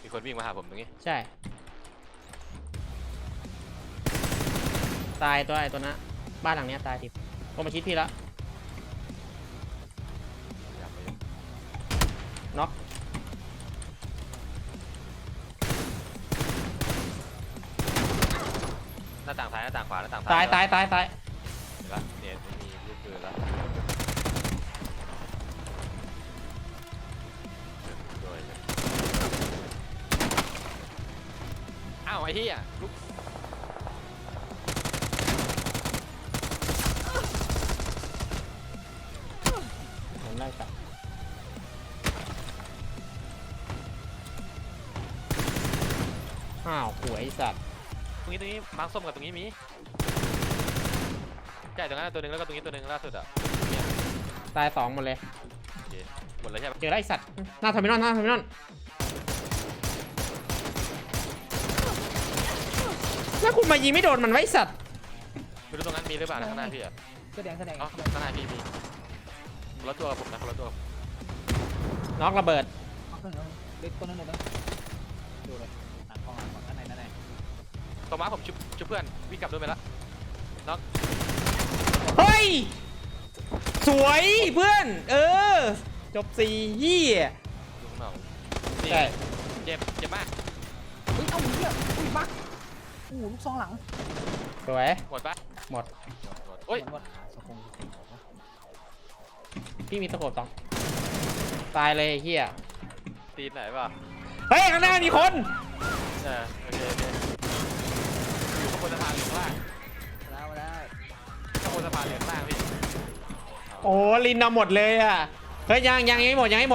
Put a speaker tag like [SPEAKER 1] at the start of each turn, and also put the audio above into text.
[SPEAKER 1] มีคนวิ่งมาหาผมตรงนี้
[SPEAKER 2] ใช่ตายตัวไอ้ตัวนั้นบ้านหลังเนี้ยตายทิพย์ก็มาชิดพี่แล้ว
[SPEAKER 1] อยากไป
[SPEAKER 2] น็อก
[SPEAKER 1] หน้าต่างซ้ายหน้าต่างขวาหน้าต่าง
[SPEAKER 2] ตายตายตายตาย
[SPEAKER 1] เห็นละเนี่ยไม่มีลูกปืนแล้วโดยอ้าวไอ้เหี้ยลูก
[SPEAKER 2] ผมไล่ตัดอ้าวหวยสัตว์
[SPEAKER 1] ตรงนี้มาร์คส้มกับตรงนี้มีใช่ตรงนั้นตัวหนึ่งแล้วก็ตรงนี้ตัวหนึ่งล่าสุดอ่ะ
[SPEAKER 2] ตาย2หมดเลย
[SPEAKER 1] โอเคหมดเลยใช่ปะ
[SPEAKER 2] เจอไอ้สัตว์หน้าเทอร์มินอลหน้าเทอร์มินอลแล้วคุณมายิงไม่โดนมันไว้สัตว์
[SPEAKER 1] ไม่รู้ตรงนั้นมีหรือเปล่านะข้างหน้าพี่อ่ะ
[SPEAKER 3] แสดง
[SPEAKER 1] อ๋อข้างหน้าพี่มีคนละตัวกับผมนะคนละตัว
[SPEAKER 2] น็อกระเบิด
[SPEAKER 3] เล็กตัวนั้นเลยนะดูเลยหนังกองหลังก่อนด้านใน
[SPEAKER 1] ตัวม้าผมชุบเพื่อนวิ่งกลับด้วยไปละน็อก
[SPEAKER 2] เฮ้ยสวยเพื่อนจบ4ยี่
[SPEAKER 1] ดูข้างนอกนี่
[SPEAKER 2] ใช่
[SPEAKER 1] เจ็บมาก
[SPEAKER 3] เฮ้ยเอาเหี้ยอุ้ยบักลูกซองหลัง
[SPEAKER 2] สวย
[SPEAKER 1] หมดปะ
[SPEAKER 2] หมด
[SPEAKER 1] หมดโอ้ย
[SPEAKER 3] หมดสกง
[SPEAKER 2] พี่มีตะโขบต้องตายเลยไอ้เฮีย
[SPEAKER 1] ตีนไหนปะ
[SPEAKER 2] เฮ้ยข้างหน้ามีคน
[SPEAKER 1] โอเคอยู่ข้างบนสะพานหรือข้างล่าง
[SPEAKER 3] มาได้
[SPEAKER 1] ข้างบนสะพานหรือข้างล่างพี่
[SPEAKER 2] โอ้ลินเอาหมดเลยอ่ะเฮ้ยยังไม่หมดยังไม่หมด